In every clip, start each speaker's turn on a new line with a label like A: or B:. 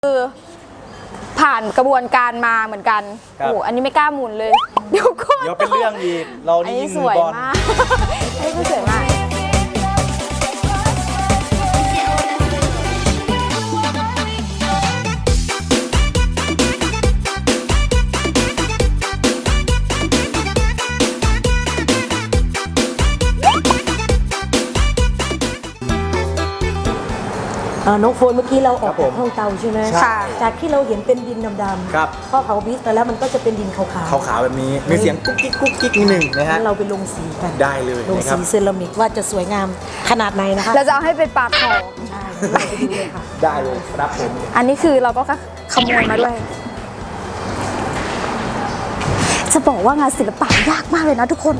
A: คือผ่านกระบวนการมาเหมือนกันโอ้อันนี้ไม่กล้าหมุนเลยเดี๋ยวก่อน
B: เดี๋ยวเป็นเรื่องอีกเรานี่ยิงมือบอล
A: อันนี้สวยมาก
C: น้องโฟนเมื่อกี้เราออกจากห้องเตาใช่ไหม
A: ค่ะ
C: จากที่เราเห็นเป็นดินดำๆ
B: ครับ
C: พอเผาบิสไปแล้วมันก็จะเป็นดินขาว
B: ขาวๆแบบนี้มีเสียงกุ๊กกิ๊กกุ๊กกิ๊กนิดหนึ่งนะฮะ
C: เราไปลงสีกัน
B: ได้เลย
C: ลง
B: นะครับ
C: สีเซรามิกว่าจะสวยงามขนาดไหนนะคะ
A: เราจะเอาให้เป็นปลาทอง
C: ใช่เราไปดูเลยค่ะ
B: ได้เลยครับผม
A: อันนี้คือเราก็ขโมยมาด้วย จะบอกว่างานศิลปะยากมากเลยนะทุกคน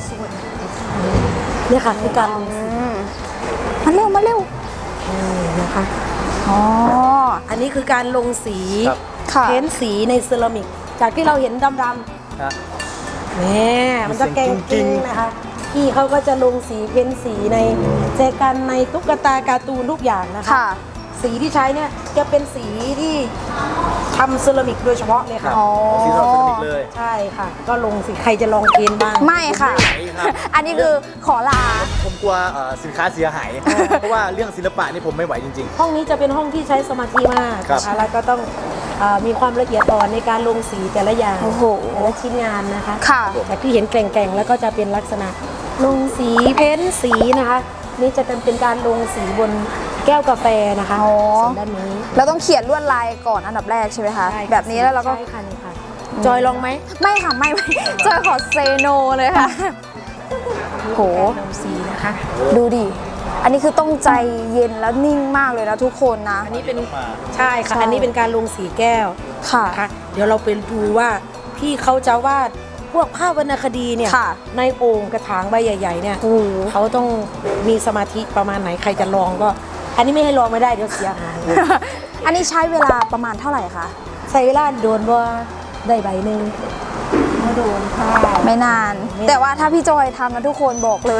C: เนี่ยค่ะคือการลงสี
A: มาเร็ว
C: นะคะ
A: อ๋อ
C: อันนี้คือการลงสี
A: ค่ะ
C: เพ้นสีในเซรามิกจากที่เราเห็นดำ
B: ครับ
C: ๆเนี่ยมันจะแกงจริงนะคะพี่เขาก็จะลงสีเพ้นสีในแจกันในตุ๊กตาการ์ตูนทุกอย่างนะคะ
A: ค่ะ
C: สีที่ใช้เนี่ยจะเป็นสีที่ทำเซรามิกโดยเฉพาะเลยค่ะ
A: อ๋อ
B: สีเราเซรามิกเลย
C: ใช่ค่ะ ก็ลงสีใครจะลองเกณฑ์บ้าง
A: ไม่ค่ะ
B: ไม่ครับ
A: อันนี้คือขอลา
B: ผมกลัวสินค้าเสียหายเพราะว่าเรื่องศิลปะนี่ผมไม่ไหวจริง
C: ห้องนี้จะเป็นห้องที่ใช้สมาธิมาก
B: ครับ
C: นะคะแล้วก็ต้องมีความละเอียดอ่อนในการลงสีแต่ละอย่าง
A: โอ้โห
C: แต่ละชิ้นงานนะคะ
A: ค่ะ
C: จากที่เห็นแกร่งๆแล้วก็จะเป็นลักษณะลงสีเพ้นสีนะคะ นี่จะเป็นการลงสีบนแก้วกาแฟนะคะ
A: อ๋อ
C: ส่วนด้านนี้
A: เราต้องเขียนลวดลายก่อนอันดับแรกใช่ไหมคะ
C: ใช่ค่ะ
A: แบบนี้แล้วเราก็
C: ใช่ค่ะนี่ค่ะจอยลองไหม
A: ไม่ค่ะไม่จอยขอเซโนเลยค่ะ โห
C: การลงสีนะคะ
A: ดูดิ อันนี้คือต้องใจเย็นแล้วนิ่งมากเลยนะทุกคนนะ
C: อันนี้เป็นใช่ค่ะ อันนี้เป็นการลงสีแก้ว
A: ค่ะ
C: นะคะเดี๋ยวเราไปดูว่าพี่เขาจะวาดพวกภาพวรรณคดีเนี่ย
A: ค่ะ
C: ในโอ่งกระถางใบใหญ่ ๆ เนี่ย
A: โอ้โห
C: เขาต้องมีสมาธิประมาณไหนใครจะลองก็ อันนี้ไม่ให้ลองไม่ได้เดี๋ยวเสียหาย
A: อันนี้ใช้เวลาประมาณเท่าไหร่คะ
C: ใส่เวลาโดนว่าได้ใบหนึ่งไม่โดนค่ะ
A: ไม่นาน แต่ว่าถ้าพี่จอยทำนะทุกคนบอกเลย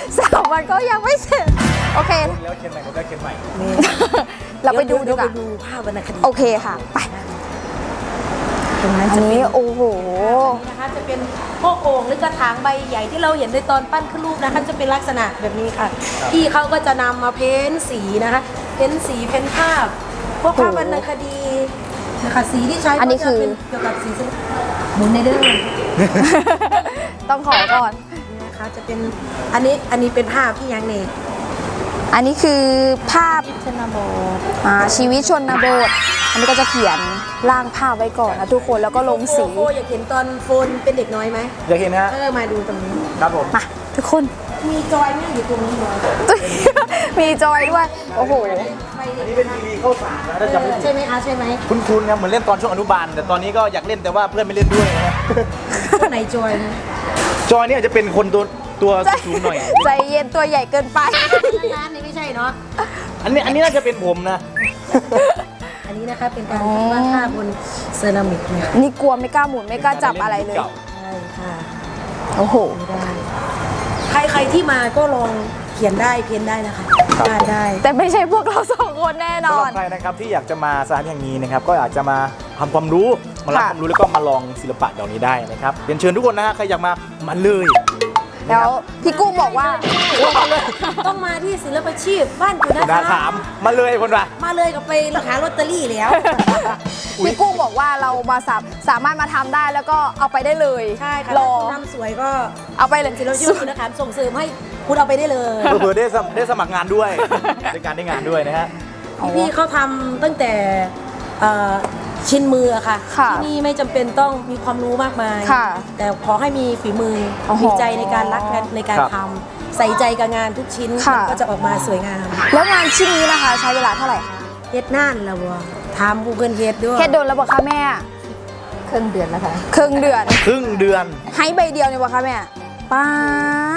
A: 3 วันก็ยังไม่เสร็จ โอเค
B: ๆแล้วเขียนใหม่ผมได้เขียนใหม่
C: นี่
A: เราไปดูดี
C: เดี๋ยว
A: ก
C: ไป
A: ว่า
C: ดูภาพวรรณคดี
A: โอเคค่ะ ไป
C: ตรงนั้น
A: อัน
C: จะเป็น
A: นี้โอ้โห
C: นี่นะคะจะเป็นพวกโอ่งหรือกระถางใบใหญ่ที่เราเห็นในตอนปั้นขึ้นรูปนะคะจะเป็นลักษณะแบบนี้ค่ะพี่เขาก็จะนำมาเพ้นสีนะคะเพ้นสีเพ้นภาพ พวกภาพวรรณคดีนะคะสีที่ใช้
A: อันนี้คือ
C: ก็จะเป็นเกี่ยวกับสีหมุนในเด้อ
A: ต้องขอก่อน
C: นี่นะคะจะเป็นอันนี้เป็นภาพที่ยังเนี่ย
A: อันนี้คือภาพ
C: ชนบท
A: ชีวิตชนบท อันนี้ก็จะเขียนร่างภาพไว้ก่อนนะทุกคนแล้วก็ลงสี
C: โฟอยากเห็นตอนโฟนเป็นเด็กน้อยไหม
B: อยากเห็นนะฮะ
C: มาดูตรงนี้
B: ครับผม
A: มาทุกคน
C: มีจอยไหมอยู่ตรงนี้เลย
A: มีจอยด้วย โอ้โห
B: อันนี้เป็นทีวีเข้าสารนะถ้าจำไม่ผิ
C: ใช่
B: ด
C: ไหมคะใช่ไหม
B: คุ้นๆครับเหมือนเล่นตอนช่วงอนุบาลแต่ตอนนี้ก็อยากเล่นแต่ว่าเพื่อนไม่เล่นด้วยนะฮะ
C: คนไหนจอยนะ
B: จอยเนี่ยจะเป็นคนตัวสูงหน่อย
A: ใจเย็นตัวใหญ่เกินไป
C: ร้านนี้ไม่ใช่เนาะ
B: อันนี้น่าจะเป็นผมนะ
C: อันนี้นะคะเป็นการวาดภาพบนเซรามิกเนี่ย
A: นี่กลัวไม่กล้าหมุนไม่กล้าจับอะไรเลย
C: ใช่ค่ะ
A: โอ้โห
C: ไม่ได้ ใครที่มาก็ลองเขียนได้เพียนได้นะคะ
B: ครับ
C: วาดได้
A: แต่ไม่ใช่พวกเรา2 คนแน่น
B: สำห
A: อ
B: รั
A: น
B: บใครนะครับที่อยากจะมาสถานที่แห่งนี้นะครับก็อาจจะมาทำความรู้มารับ
A: ค่ะ
B: ความรู้แล้วก็มาลองศิลปะเหล่านี้ได้นะครับเรียนเชิญทุกคนนะฮะใครอยากมาเลย
A: แล้วพี่กุ้งบอกว่า
C: ต้องมาที่ศิลปาชีพบ้านจุฬา
B: นาถามมาเลยคนละ
C: มาเลยกับไปหาลอตเตอรี่แล้ว
A: พี่กุ้งบอกว่าเรามาสามารถมาทำได้แล้วก็เอาไปได้เลย
C: ใช่ค่ะ
A: รอ
C: ถ้าคุณทำสวยก็
A: เอาไปเลย
C: ศิลปาชีพคุณนะคะส่งเสริมให้คุณเอาไปได้เลย
B: เผื่อๆได้สมัครงานด้วยได้การได้งานด้วยนะฮะ
C: พี่เขาทำตั้งแต่ชิ้นมืออะค่ะ
A: ค่ะ
C: ที่นี่ไม่จำเป็นต้องมีความรู้มากมาย
A: ค่ะ
C: แต่ขอให้มีฝีมือ
A: โอ้โห
C: มีใจในการรักในการทำใส่ใจกับงานทุกชิ้น
A: ค่ะ
C: มันก็จะออกมาสวยงาม
A: แล้วงานชิ้นนี้นะคะ ใช้เวลาเท่าไหร่คะ
C: เฮ็ดน่านแล้วบ่ทำ Google เฮ็ดด้วย
A: เฮ็ดโดนแล้วบอกคะแม่
C: ครึ่งเดือนแล้วค่ะ
A: ครึ่งเดือน
B: ครึ่งเดือน
A: ให้ใบเดียวเนี่ยบอกคะแม่ป๊าด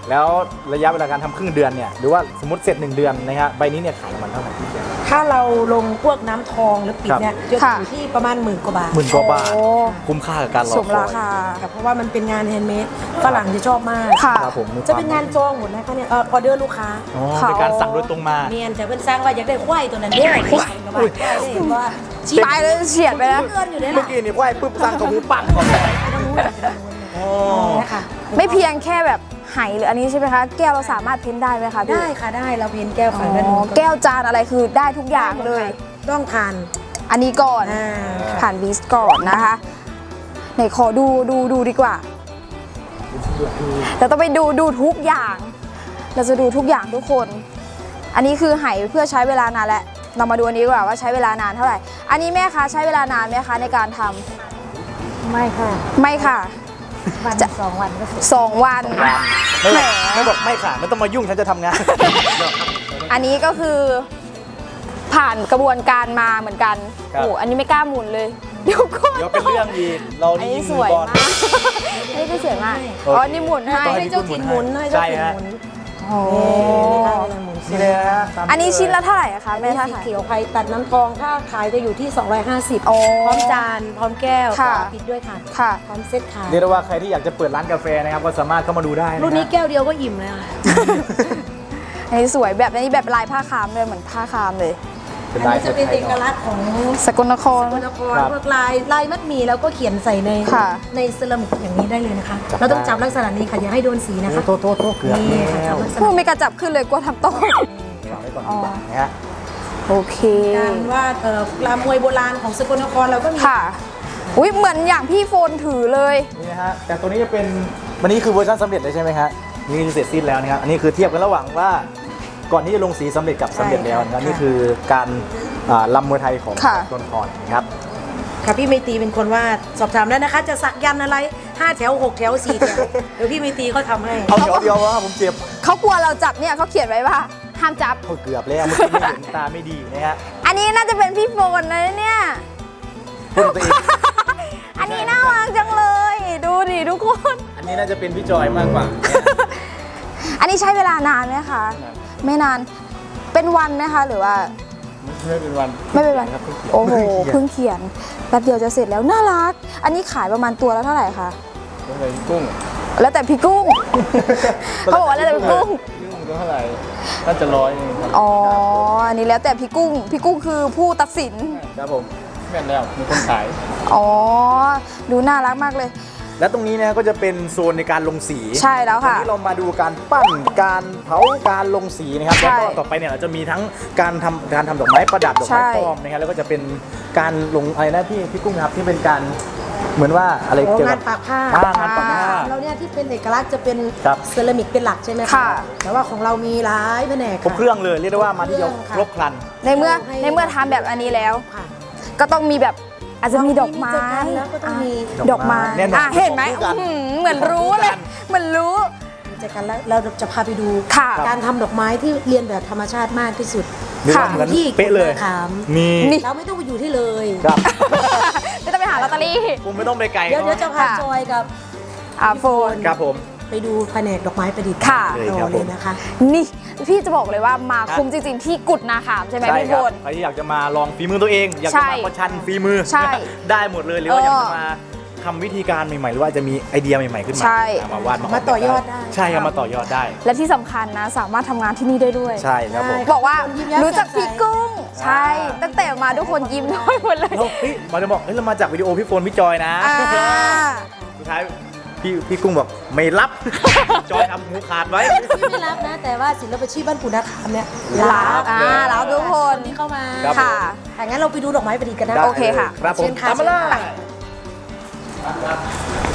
B: แล้วระยะเวลาการทำครึ่งเดือนเนี่ยหรือว่าสมมติเสร็จ1 เดือนนะฮะใบนี้เนี่ยขายประมาณเท่าไหร่
C: ถ้าเราลงพวกน้ำทองหรือปิดเนี่ยจะ
A: ค่ะ
C: อยู่ที่ประมาณ10,000 กว่าบาท
B: 10,000 กว่าบาท
A: โอ้
B: คุ้มค่ากับการรอ
A: ส
B: ค
A: ม
B: อ
A: ราย คา
C: ค่ะเพราะว่ามันเป็นงานแฮนด์เมดฝรั่งจะชอบมาก
A: ค่ะ
B: ครับผมมี
C: จะเป็นงานจองหมดนะคะเนี่ยออเดอร์ลูกค้า
B: อ๋อเป็นการสั่งโดยตรงมา
C: เมียนจะเป็นสร้างว่าอยากได้ควายตัวนั้นเด้อควายกระบะควายได้เห็นว่าชี้
A: ตายเลยเฉียดไปแล้ว
C: เกินอยู่เนี่ย
B: เมื่อกี้นี่ไหวปุ๊บสั่งของหมูปังก่อนเลยอ๋อ
C: นะคะ
A: ไม่เพียงแค่แบบไหหรืออันนี้ใช่ไหมคะ แก้วเราสามารถเพ้นได้ไหมคะพี่
C: ได้ค่ะได้เราเพียนแก้ว
A: อ๋
C: ฝั่งด้าน
A: อ
C: นู้น
A: แก้วจานอะไรคือได้ทุกอย่างเลย
C: ต้องทาน
A: อันนี้ก่อน
C: ค่ะ
A: ผ่านวิสก่อนนะคะไหนขอดูดีกว่าเราต้องไปดูทุกอย่าง เราจะดูทุกอย่างทุกคน อันนี้คือไหเพื่อใช้เวลานานแล้วเรามาดูอันนี้ดีกว่าว่าใช้เวลานานเท่าไหร่ อันนี้แม่คะใช้เวลานานไหมคะในการทำ
C: ไม่ค่ะ
A: ไม่ค่ะ
C: วัน
A: จะ
C: 2 วันก็เสร็จ
A: 2 วัน
B: ไม่
A: แหม
B: ไม่บอกไม่ค่ะไม่ต้องมายุ่งฉันจะทำงาน
A: อันนี้ก็คือผ่านกระบวนการมาเหมือนกัน
B: ครับ
A: โอ้อันนี้ไม่กล้าหมุนเลย เดี๋ยวก่อน
B: เดี๋ยวเป็นเรื่องอีกเรา
A: อัน
B: นี่
A: นี้
B: ยิง
A: ส
B: มือ
A: วย
B: บอล
A: มากอันนี้ก็สวยมากอ๋อนี่หมุนให้
C: ให้เจ้าถิ่นหมุนให้เจ้าถิ่นหมุน
A: โอ้
B: นี่เลยนะตาม
A: อันนี้ชิ้นละเท่าไหร่อะคะแม่
C: แม่
A: ถ้า
C: สี
A: ขาย
C: เขียวไข่ตัดน้ำทองถ้าขายจะอยู่ที่250
A: โอ้
C: พร้อมจานพร้อมแก้ว
A: ค่ะ
C: ปิดด้วยค่ะ
A: ค่ะ
C: พร้อมเซ็ตขาย
B: เรียกได้ว่าใครที่อยากจะเปิดร้านกาแฟนะครับก็สามารถเข้ามาดูได้ะ
C: รุ่นนี้แก้วเดียวก็อิ่มเลยค่ะ
A: อันนี้สวยแบบนี้แบบลายผ้าคามเลยเหมือนผ้าคามเลย
B: เป็น
C: อัน
B: ลาย
C: นี้จะเป็นเอกลักษณ์ของ
A: สกลนคร
C: สกลนคร
B: ครับ
C: พวกลายมัดหมี่แล้วก็เขียนใส่ใน
A: ค่ะ
C: ในเซรามิกอย่างนี้ได้เลยนะคะ
B: จับ
C: เราต้อง
B: ได้
C: จับลักษณะนี้ค่ะอย่าให้โดนสีนะคะ
B: โทษเกือบ
C: นี่ค่ะ
B: แล้ว
C: จับลักษ
A: พู
C: ณะ
A: ดไม่กระจับขึ้นเลยกลัวทำโต๊ะ
B: วางไว้ก่อน
A: อ๋อ
B: นะฮะ
A: โอเค
C: การวาดลามวยโบราณของสกลนครเราก็มี
A: ค่ะอุ้ยเหมือนอย่างพี่โฟนถือเลย
B: นี่นะฮะแต่ตัวนี้จะเป็นวันนี้คือเวอร์ชันสำเร็จเลยใช่ไหมฮะนี่คือเสร็จสิ้นแล้วนะครับอันนี้คือเทียบกันระหว่างว่าก่อนที่จะลงสีสำเร็จกับสำเร็จแล้วนะครับนี่คือการลำมวยไทยของ
A: ค่ะ
B: ต้นคอนนะครับ
C: ค่ะพี่เมตีเป็นคนวาดสอบถามได้นะคะ จะสักยันต์อะไร5 แถว 6 แถว 4 แถว เดี๋ยวพี่เมตีเขาทำให้
B: เอาเดียวว่าผมเจ็บ
A: เขากลัวเราจับเนี่ยเขาเขียนไว้ว่าห้ามจับ
B: โอ้เกือบแล้วเมื่อกี้ไม่เห็นตาไม่ดีนะฮะ
A: อันนี้น่าจะเป็นพี่โฟนนะเนี่ย
B: พูดตัวเอง
A: อันนี้น่ารักจังเลย ดูดิทุกคน
B: อันนี้น่าจะเป็นพี่จอยมากกว่า
A: อันนี้ใช้เวลานานไหมคะ ไม่นาน เป็นวันไหมคะหรือว่า
B: ไม่เป็นวัน
A: ไม่เป็นวัน
B: ครับ
A: โอ้โห
B: เพิ่
A: เพิ่
B: ง
A: งเขียนแป๊บเดียวจะเสร็จแล้วน่ารัก อันนี้ขายประมาณตัวละเท่าไหร่คะ
B: เขียนเลยกุ้ง
A: แล้วแต่พี่กุ้ง เขาบอกว่าแล้วแต่พี่กุ้ง
B: กุ้งเท่าไหร่น่าจะ100เองครับ
A: อ๋อ อันนี้แล้วแต่พี่กุ้ง พี่กุ้งคือผู้ตัดสิน
B: ครับผมแม่นแล้วมีคนขาย
A: อ๋อ ดูน่ารักมากเลย
B: และตรงนี้นะก็จะเป็นโซนในการลงสี
A: ใช่แล้วค่ะ
B: วันนี้เรามาดูการปั้นการเผาการลงสีนะครับ
A: ใช่
B: แล้วก็ต่อไปเนี่ยเราจะมีทั้งการทำดอกไม้ประดับดอกไม้
A: ใช่
B: ปลอมนะครับแล้วก็จะเป็นการลงอะไรนะพี่กุ้งครับที่เป็นการเหมือนว่าอะไร
C: โอ้
B: เกี่ยว
C: งา
B: กับ
C: นปากผ้า
B: งานปากผ้า
C: เราเนี่ยที่เป็นเอกลักษณ์จะเป็น
B: ครับ
C: เซรามิกเป็นหลักใช่ไหม
A: ค่ะ
C: แต่ว่าของเรามีหลายแผนก
B: ครบเครื่องเลยเรียกได้ว่ามาที่เดียว
C: ค่ะ
B: ครบครัน
A: ในเมื่อทำแบบอันนี้แล้ว
C: ค่ะ
A: ก็ต้องมีแบบอาจจะมีดอกไม้
C: มีเจอกันแล้วก็ต้องมี
A: ดอกไม้
B: แน่นอน
A: อ่ะเห็นไหม
B: คู่กัน
A: อื้อหือเหมือนรู้เลย เหมือนรู้
C: จากกันแล้วเราจะพาไปดู
A: ค่ะ
C: การทำดอกไม้ที่เรียนแบบธรรมชาติมากที่สุด
B: เรียกว่าเหมือน
C: ที่
B: เป๊ะเลย
C: กุฎนาขาม
B: นี่
A: นี่
C: เราไม่ต้องไปอยู่ที่เลย
B: ครับ
A: ไม่ต้องไปหาลอตเตอรี่
B: ผมไม่ต้องไปไกล
C: เดี๋ยวจะพา
A: ค่ะ
C: จอยกับ
A: โฟน
B: ครับผม
C: ไปดูแผนกดอกไม้ประดิษฐ์
A: ค่ะ
C: ต่อเลยนะคะ
A: นี่พี่จะบอกเลยว่ามาคุ้มจริงๆ ที่กุดนาขามใช่ไหม
B: ใช่
A: พี่
B: ค
A: โฟ
B: รับ
A: น
B: ใครที่อยากจะมาลองฝีมือตัวเอง อยาก
A: ใช่
B: จะมาประชันฝีมือ
A: ใช่
B: ได้หมดเลยหรือว่าอยากจะมาทำวิธีการใหม่ๆ หรือว่าจะมีไอเดียใหม่ๆขึ้นมา
A: ใช่
B: มาวาด
C: มาต่อยอดได้
B: ใช่ครับมาต่อยอดได้
A: และที่สำคัญนะสามารถทำงานที่นี่ได้ด้วย
B: ใช่ครับผม
A: บอกว่า
C: ยิ้มแย้ม
A: รู้จัก
C: แจ่มใส
A: พี่กุ้ง ใช่ ตั้งแต่มาทุกคนยิ้มน้อยหมดเลย
B: แล้วเฮ้ยมาจะบอกเฮ้ยเรามาจากวิดีโอพี่โฟนพี่จอยนะ
A: อ่า
B: สุดท้ายพี่กุ้งบอกไม่รับ จอยทำหูขาดไว้
C: ที่ไม่รับนะ แต่ว่าศิลปาชีพบ้านปู่นาคามเนี่ย
A: รับรับทุกคน
C: ที่เข้ามา
B: ครับ
A: ค่ะ
C: ถ้างั้นเราไปดูดอกไม้ประดิษฐ์กันนะ
A: โอเคค่ะ
B: ครับผม
C: เชิญค่ะ
B: ตามมาเล
C: เชิญค่ะ
B: ย